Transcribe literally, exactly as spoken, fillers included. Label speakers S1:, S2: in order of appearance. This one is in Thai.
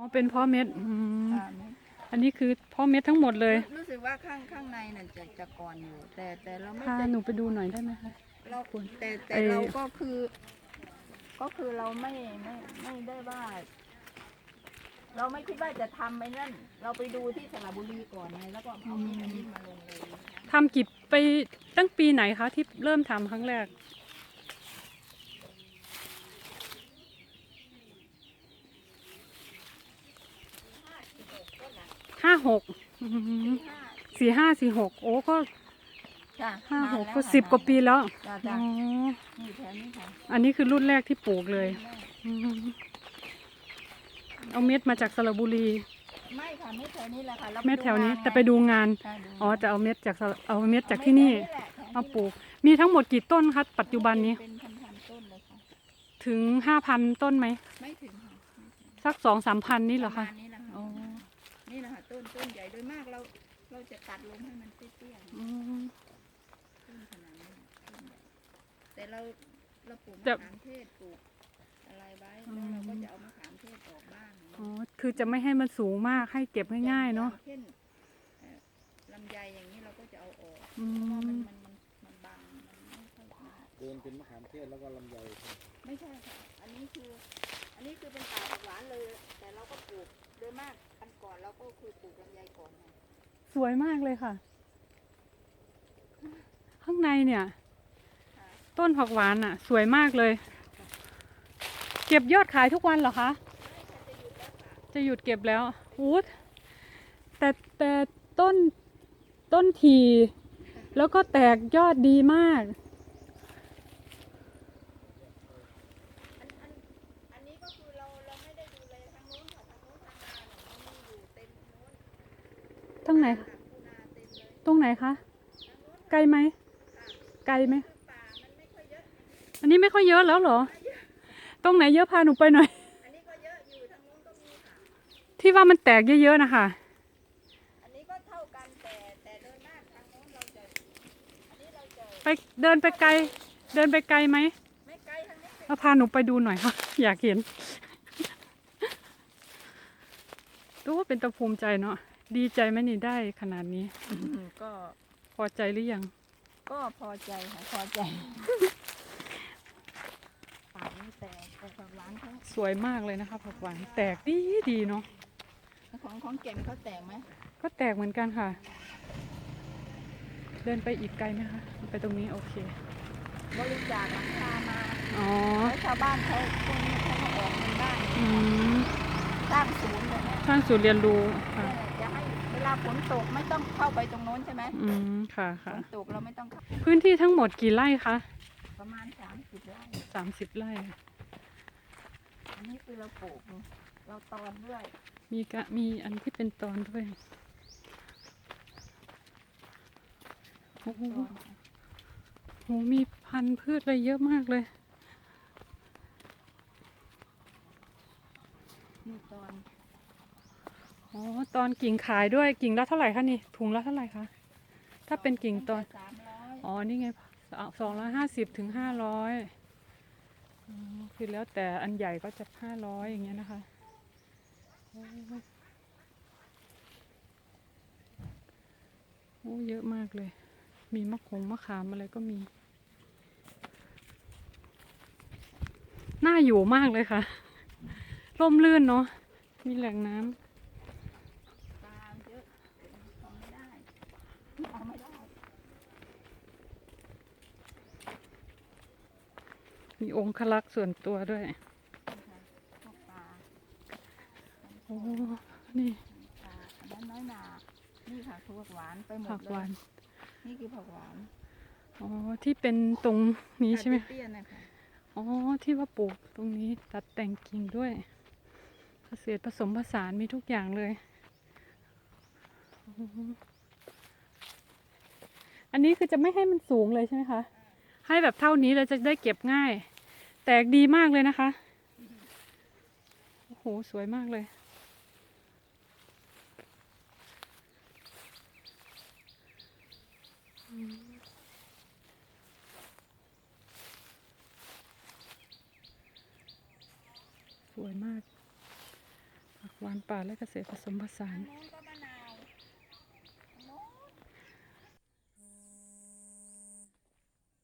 S1: เป็นเพาะเม็ดอืม
S2: ค่ะเม็ด
S1: อันนี้คือเพาะเม็ดทั้งหมดเลย
S2: รู้รู้สึกว่าข้างข้างในน่ะจะจะก่อนอยู่ แต่แต่เราไม่
S1: พา
S2: จะ
S1: หนูไปดูหน่อยได้ไหมคะ
S2: เรา
S1: ควร
S2: แต่แต่
S1: ไอ้
S2: เราก็คือ ก็คือเราไม่ไม่ไม่ได้ว่า เราไม่คิดว่าจะทำไปนั่น เราไปดูที่สระบุรีก่อนไงแล้วก็เอามีดอันนี้มาลงเลย
S1: ทำกี่ไปตั้งปีไหนคะที่เริ่มทำครั้งแรกห้าหกสี่ห้าสี่หกโอ้ก็
S2: จ้ะ
S1: ห้าหก
S2: นน
S1: ก็
S2: แล้ว
S1: สิบกว่าปีแล้ว
S2: จ้ะ
S1: อ๋
S2: จ้ะ
S1: อ
S2: นี่แถวนี้ค่ะ
S1: อันนี้คือรุ่นแรกที่ปลูกเลยอืมเอาเม็ดมาจากสระบุรี
S2: ไม่ค่ะเม็ดแถวนี้แหละค่ะรา
S1: เม็ดแถวนี้
S2: งา
S1: แต่ไปดูงาน
S2: ใช่ดู
S1: อ๋อจะเอาเม็ดจากสระเอาเม็ดจาก
S2: เอา
S1: ที่นี่
S2: เม็ดแถวแหละแถว
S1: มาปลูกมีทั้งหมดกี่ต้นคะปัจจุบันนี้
S2: เป็นพันๆต้นเลยค่ะ
S1: ถึงห้าพันต้นไหม
S2: ไม่ถึงค่ะ
S1: สักสองสามพันนี่เหรอ
S2: ป
S1: คะ
S2: ระมาณนี้แหละ
S1: อ๋อ
S2: ค่ะนี่แหละค่ะต้นต้นใหญ่โดยมากเราเราจะตัดลงให้มันเตี้ยๆ
S1: อืม
S2: ต้นขนาดนี้ต้นใหญ่แต่เราเราปลูก
S1: แต่
S2: มะขามเทศปลูกอะไรไว้แล้วเราก็จะเอามะขามเทศออกบ้าง
S1: อ๋อคือจะไม่ให้มันสูงมากให้เก็บง่ายๆเนาะ
S2: อย่งเช่นเอ่อลำไยอย่างนี้เราก็จะเอาออก
S1: อื
S2: เพราะว่ามัน
S1: ม
S2: มันมันมันบางมันไม่ค่อยมาก
S3: เดินเป็นมะขามเทศแล้วก็ลำไยครับ
S2: ไม่ใช่ค่ะอันนี้คือ อันนี้คือเป็นป่าผักหวานเลย แต่เราก็ปลูกโดยมากอันก่อนเราก็คือปลูกลำไยก่อนไง
S1: สวยมากเลยค่ะ ข้างในเนี่ย
S2: ค่ะ
S1: ต้นผักหวานอ่ะ สวยมากเลย เก็บยอดขายทุกวันเหรอคะ จะหยุดเก็บแล้วอู้แต่แต่ต้นต้นทีแล้วก็แตกยอดดีมาก
S2: อันอันอันนี้ก็คือเราเราไม่ได้ดูแลทางโน้นค่ะทางโน้นทางนาเนี่ยมันมีอยู่เต็มโน้น
S1: ตรงไหน
S2: ค่ะคูนาเต็มเลย
S1: ตรงไหนคะ ไกลไหม ไกลไหม
S2: คือป่ามันไม่ค่อยเยอะ
S1: อันนี้ไม่ค่อยเยอะแล้วเหรอ ตรงไหนเยอะพาหนูไปหน่อย
S2: อันนี้ก็เยอะอยู่ทางโน้นก็มีค่ะ
S1: ที่ว่ามันแตกเยอะๆนะคะ
S2: อันนี้ก็เท่ากันแต่แต่เดินหน้าทางโน้นเราจะ อันนี้เราจะ
S1: ไปเดินไปไกล เดินไปไกลไหม
S2: ไม่ไกลทางนี้
S1: เอาพาหนูไปดูหน่อยค่ะ อยากเห็นดูว่าเป็นตะภูมิใจเนาะ ดีใจไหมนี่ได้ขนาดนี้
S2: ก็
S1: พอใจหรือยัง
S2: ก็พอใจค่ะพอใจป่านี่แต่แต่ผักหวานเขา
S1: สวยมากเลยนะคะผักหวานแตกดีดีเนาะ
S2: ของของแก่มเขาแตกไหม
S1: ก็แตกเหมือนกันค่ะ เดินไปอีกไกลไหมคะ ไปตรงนี้โอเค
S2: บริจาคหลังคามา
S1: อ๋อ
S2: แล้วชาวบ้านเขาพวกนี้เขามาออกเงินบ้าน
S1: อืม
S2: สร้างศูนย์เลยนะ
S1: สร้างศูนย์เรียนรู้ค่ะ
S2: จะให้เวลาฝนตกไม่ต้องเข้าไปตรงโน้นใช่ไหม
S1: อืม ค่ะ
S2: ฝ
S1: ค่ะ
S2: นตกเราไม่ต้องเข้า
S1: พื้นที่ทั้งหมดกี่ไร่คะ
S2: ประมาณสามสิบไร่
S1: สามสิบไร่
S2: อันนี้คือเราปลูกเราตอนด้วย
S1: มีกะมีอันที่เป็นตอนด้วยโอ้โห
S2: ตอน
S1: โหมีพันธุ์พืชอะไรเยอะมากเลย
S2: นี่ตอน
S1: อ๋อ ตอนกิ่งขายด้วย กิ่งละเท่าไหร่คะนี่ ถุงละเท่าไหร่คะ ถ้าเป็นกิ่งตอน
S2: สามร้อย
S1: อ๋อ นี่ไงสองร้อยห้าสิบถึงห้าร้อยคือแล้วแต่อันใหญ่ก็จะห้าร้อยอย่างเงี้ยนะคะโอ้ยโอ้เยอะมากเลย มีมะขงมะขามอะไรก็มี น่าอยู่มากเลยค่ะ ร่มรื่นเนาะ มีแหล่งน้ำ
S2: ปลาเยอะเอาไม่ได้เอาไม่ได้
S1: มีองคลักษ์ส่วนตัวด้วย
S2: พวกปลา
S1: โอ้ นี่
S2: ปลาอันนั้นน้อยหนานี่ค่ะคือผักหวานไปหม
S1: ผั
S2: ด
S1: ก
S2: เล
S1: หวาย น
S2: นี่คือผักหวาน
S1: อ๋อ ที่เป็นตรงนี้ใช่ไหม
S2: เตี้ยๆนะคะ
S1: อ๋อ ที่ว่าปลูกตรงนี้ตัดแต่งกิ่งด้วย เกษตรผสมผสานมีทุกอย่างเลยอ๋ออันนี้คือจะไม่ให้มันสูงเลยใช่ไหมคะ ให้แบบเท่านี้เราจะได้เก็บง่าย แตกดีมากเลยนะคะ โอ้โห สวยมากเลย สวยมากผักหหวานป่าและเกษตรผสมผสาน
S2: นู้นก็บ้าน